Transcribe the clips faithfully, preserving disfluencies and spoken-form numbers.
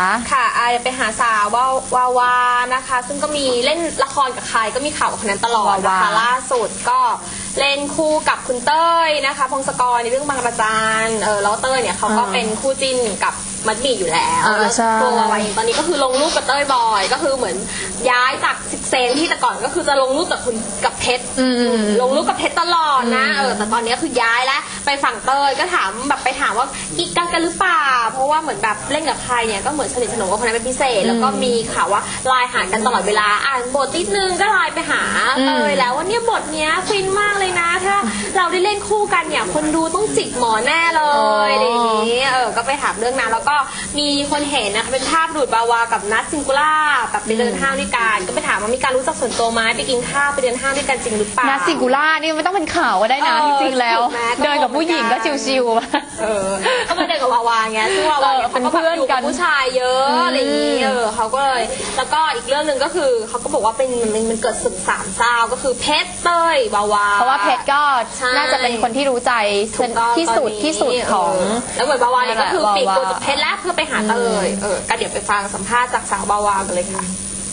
ค่ะอาไปหาสาววาวาวานะคะซึ่งก็มีเล่นละครกับใครก็มีข่าวกับคนนั้นตลอดนะคะล่าสุดก็เล่นคู่กับคุณเต้ยนะคะพงศกรในเรื่องบางระจันเออแล้วเต้ยเนี่ยเขาก็เป็นคู่จิ้นกับมัดหมี่อยู่แล้วแล้วตัววาวาเองตอนนี้ก็คือลงรูปกับเต้ยบ่อยก็คือเหมือนย้ายจากซิกเซนที่แต่ก่อนก็คือจะลงรูปกับคุณกับเพชรลงรูปกับเพชรตลอดนะเออแต่ตอนนี้คือย้ายแล้วไปฝั่งเต้ยก็ถามแบบไปถามว่ากิ๊กกันกันหรือเปล่าเพราะว่าเหมือนแบบเล่นกับใครเนี่ยก็เหมือนสนิทสนมกับคนนั้นเป็นพิเศษแล้วก็มีข่าวว่าไลน์หากันตลอดเวลาอ่านบทนิดนึงก็ไลน์ไปหาเต้ยแล้วว่าเนี่ยบทเนี้ยฟินมากเลยนะถ้าเราได้เล่นคู่กันเนี่ยคนดูต้องจิกหมอแน่เลยอะไรอย่างนี้เออก็ไปถามเรื่องนั้นแล้วก็มีคนเห็นนะคะเป็นภาพดูดบาวากับนัทซิงคูล่าแบบไปเดินห้างด้วยกันก็ไปถามว่ามีการรู้จักส่วนตัวไหมไปกินข้าวไปเดินห้างด้วยกันจริงหรือเปล่านัทซิงคูล่านี่ไม่ต้องเป็นข่าวก็ได้นะจริงๆแล้วเดินกับผู้หญิงก็ชิวๆเออก็มาเดินกับวาวาไงซึ่งวาวาเป็นเพื่อนกันผู้ชายเยอะอะไรอย่างนี้เออเขาก็เลยแล้วก็อีกเรื่องหนึ่งก็คือเขาก็บอกว่าเป็นมันมันเกิดศึกสามเศร้าก็คือเพชรเต้ยวาวาเพราะว่าเพชรก็น่าจะเป็นคนที่รู้ใจที่สุดที่สุดของแล้วเหมือนบาวาเนี่ยก็คือปีกตัวจากเพชรแล้วเพื่อไปหาเต้ยเออก็เดี๋ยวไปฟังสัมภาษณ์จากสาวบาวากันเลยค่ะ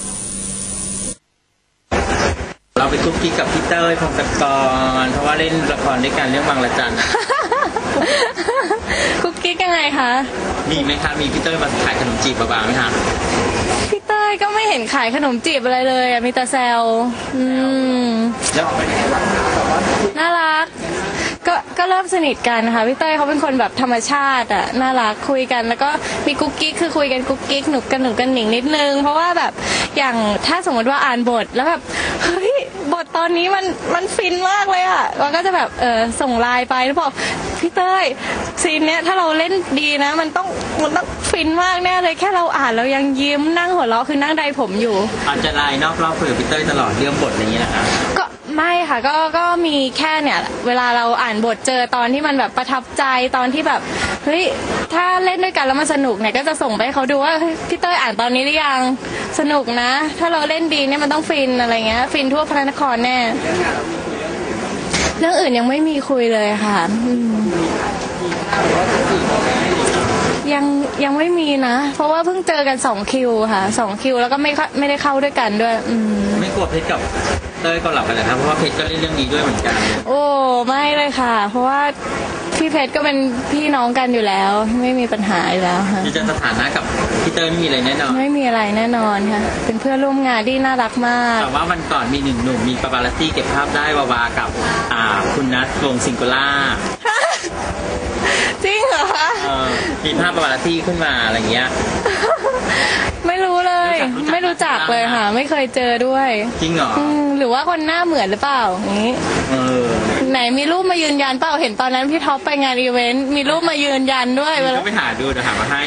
เราไปคุกกี้กับพี่เต้ยพงศกรเพราะว่าเล่นละครด้วยกันเรื่องบางระจันคุกกี้ยังไงคะมีไหมคะมีพี่เต้ยมาขายขนมจีบบ้างไหมคะพี่เต้ยก็ไม่เห็นขายขนมจีบอะไรเลยมีแต่แซวอืมน่ารักก็ก็เริ่มสนิทกันค่ะพี่เต้ยเขาเป็นคนแบบธรรมชาติอ่ะน่ารักคุยกันแล้วก็มีกุ๊กกิ๊กคือคุยกันกุ๊กกิ๊กหนุกกันหนุกกันหนิงนิดนึงเพราะว่าแบบอย่างถ้าสมมติว่าอ่านบทแล้วแบบเฮ้ยบทตอนนี้มันมันฟินมากเลยอ่ะเราก็จะแบบเออส่งไลน์ไปแล้วบอกพี่เต้ยซีนเนี้ยถ้าเราเล่นดีนะมันต้องมันต้องฟินมากแน่เลยแค่เราอ่านเรายังยิ้มนั่งหัวเราะคือนั่งใดผมอยู่อาจจะไลน์นอกรอบคุยกับพี่เต้ยตลอดเรื่องบทอะไรอย่างเงี้ยนะคะก็ไม่ค่ะก็ก็มีแค่เนี่ยเวลาเราอ่านบทเจอตอนที่มันแบบประทับใจตอนที่แบบเฮ้ยถ้าเล่นด้วยกันแล้วมันสนุกเนี่ยก็จะส่งไปให้เขาดูว่าพี่เต้ยอ่านตอนนี้หรือยังสนุกนะถ้าเราเล่นดีเนี่ยมันต้องฟินอะไรเงี้ยฟินทั่วพระนครแน่เรื่องอื่นยังไม่มีคุยเลยค่ะยังยังไม่มีนะเพราะว่าเพิ่งเจอกันสองคิวค่ะสองคิวแล้วก็ไม่ไม่ได้เข้าด้วยกันด้วยไม่กลัวเพชรกับเต้ยก็หลับกันเลยครับเพราะว่าเพชรก็เล่นเรื่องนี้ด้วยเหมือนกันโอ้ไม่เลยค่ะเพราะว่าพี่เพชรก็เป็นพี่น้องกันอยู่แล้วไม่มีปัญหาอยู่แล้วค่ะจะสถานะกับพี่เต้ยไม่มีอะไรแน่นอนไม่มีอะไรแน่นอนค่ะเป็นเพื่อนร่วมงานที่น่ารักมากแต่ว่าวันก่อนมีหนึ่งหนุ่มมีปาปารัสซี่เก็บภาพได้วาวากับอ่าคุณนัทวงซิงคูล่าจริงเหรอคะมีภาพปาปารัสซี่ขึ้นมาอะไรเงี้ยไม่รู้เลยไม่รู้จักเลยค่ะไม่เคยเจอด้วยจริงเหรอหรือว่าคนหน้าเหมือนหรือเปล่าอย่างนี้ไหนมีรูปมายืนยันเปล่าเห็นตอนนั้นพี่ท็อปไปงานอีเวนต์มีรูปมายืนยันด้วยก็ไปหาดูเดี๋ยวหามาให้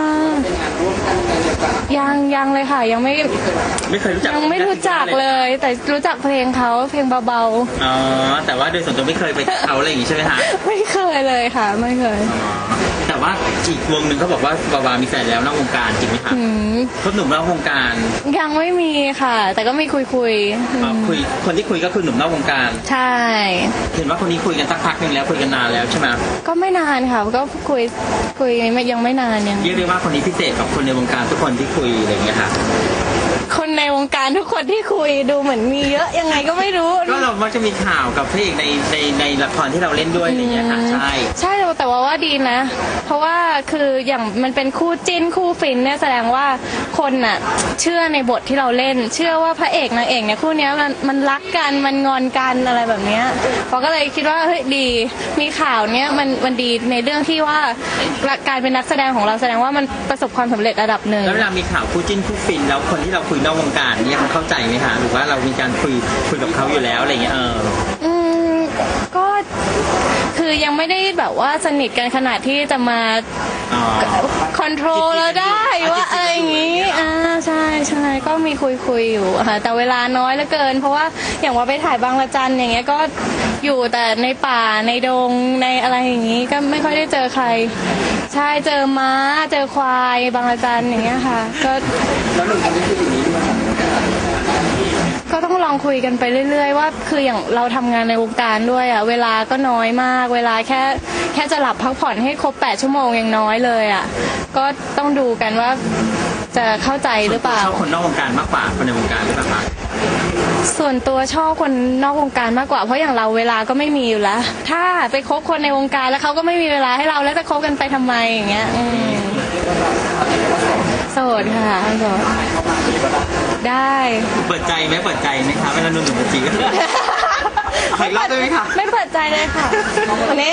ยังยังเลยค่ะยังไม่ไม่เคยรู้จักยังไม่รู้จักเลยแต่รู้จักเพลงเขาเพลงเบาๆอ๋อแต่ว่าโดยส่วนตัวไม่เคยไปเขาอะไรอย่างงี้ใช่ไหมคะไม่เคยเลยค่ะไม่เคยแต่ว่าอีกวงหนึ่งเขาบอกว่าบาวามีแฟนแล้วนอกวงการจริงไหมคะคบหนุ่มนอกวงการยังไม่มีค่ะแต่ก็มีคุยคุยคุยคนที่คุยก็คือหนุ่มนอกวงการใช่เห็นว่าคนนี้คุยกันสักพักหนึ่งแล้วคุยกันนานแล้วใช่ไหมก็ไม่นานค่ะก็คุยคุยยังไม่นานยังเรียกได้ว่าคนนี้พิเศษกับคนในวงการทุกคนที่คุยอะไรอย่างเงี้ยค่ะคนในวงการทุกคนที่คุยดูเหมือนมีเยอะยังไงก็ไม่รู้ก็เรามักจะมีข่าวกับพระเอกในในในละครที่เราเล่นด้วยอะไรอย่างเงี้ยค่ะใช่ใช่แต่ว่าว่าดีนะเพราะว่าคืออย่างมันเป็นคู่จิ้นคู่ฟินเนี่ยแสดงว่าคนน่ะเชื่อในบทที่เราเล่นเชื่อว่าพระเอกนางเอกเนี่ยคู่นี้มันมันรักกันมันงอนกันอะไรแบบเนี้ยเราก็เลยคิดว่าเฮ้ยดีมีข่าวเนี้ยมันมันดีในเรื่องที่ว่าการเป็นนักแสดงของเราแสดงว่ามันประสบความสำเร็จระดับหนึ่งแล้วเวลามีข่าวคู่จิ้นคู่ฟินแล้วคนที่เราคุยนอกวงการเนี่ยเขาเข้าใจไหมคะหรือว่าเรามีการคุยคุยกับเขาอยู่แล้วอะไรเงี้ยเอออืมก็คือยังไม่ได้แบบว่าสนิทกันขนาดที่จะมาคอนโทรลเราได้ว่าอะไรอย่างงี้อ่าใช่ใช่ก็มีคุยคุยอยู่ค่ะแต่เวลาน้อยเหลือเกินเพราะว่าอย่างว่าไปถ่ายบางระจันอย่างเงี้ยก็อยู่แต่ในป่าในดงในอะไรอย่างงี้ก็ไม่ค่อยได้เจอใครใช่เจอม้าเจอควายบางระจันอย่างเงี้ยค่ะก็แล้วหนุ่มคนนี้คืออย่างนี้ด้วยก็ก็ต้องลองคุยกันไปเรื่อยๆว่าคืออย่างเราทำงานในวงการด้วยอ่ะเวลาก็น้อยมากเวลาแค่แค่จะหลับพักผ่อนให้ครบแปดชั่วโมงยังน้อยเลยอ่ะก็ต้องดูกันว่าจะเข้าใจหรือเปล่าชอบคนนอกวงการมากกว่าคนในวงการหรือเปล่าคะส่วนตัวชอบคนนอกวงการมากกว่าเพราะอย่างเราเวลาก็ไม่มีอยู่แล้วถ้าไปคบคนในวงการแล้วเขาก็ไม่มีเวลาให้เราแล้วจะคบกันไปทำไมอย่างเงี้ยอืมโสดค่ะโสดได้เปิดใจไหมเปิดใจไหมคะเวลาหนุ่มๆมาจีบขออีกรอบได้ไหมคะไม่เปิดใจเลยค่ะนี่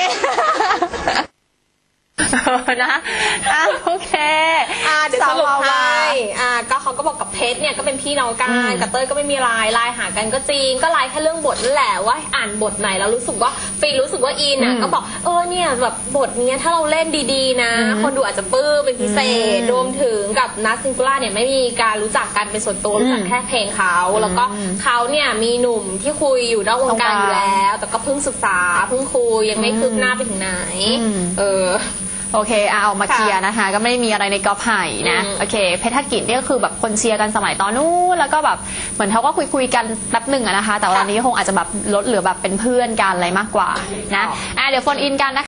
นะอ่ะโอเคอ่าเดี๋ยวสรุปสาววาให้วาอ่าก็เขาก็บอกกับเพชรเนี่ยก็เป็นพี่น้องกันกับเต้ยก็ไม่มีไลน์ไลน์หากันก็จริงก็ไลน์แค่เรื่องบทนั่นแหละว่าอ่านบทไหนแล้วรู้สึกว่าฟีลรู้สึกว่าอินอ่ะก็บอกเออเนี่ยแบบบทเนี้ยถ้าเราเล่นดีๆนะคนดูอาจจะปลื้มเป็นพิเศษรวมถึงกับนัทซิงคูล่าเนี่ยไม่มีการรู้จักกันเป็นส่วนตัวรู้จักแค่เพลงเขาแล้วก็เขาเนี่ยมีหนุ่มที่คุยอยู่นอกวงการอยู่แล้ว แต่ก็เพิ่งศึกษาเพิ่งคุยยังไม่คืบหน้าไปถึงไหนเออโอเคเอาออกมาเคลียร์นะคะ ก็ไม่ได้มีอะไรในกอล์ฟไห่นะอืมโอเคเพชรธกิจเนี่ยก็คือแบบคนเชียร์กันสมัยตอนนู้นแล้วก็แบบเหมือนเขาก็คุยคุยๆกันแป๊บหนึ่งอะนะคะ แต่ว่าตอนนี้คงอาจจะแบบลดเหลือแบบเป็นเพื่อนกันอะไรมากกว่านะอ่ะเดี๋ยวโฟนอินกันนะคะ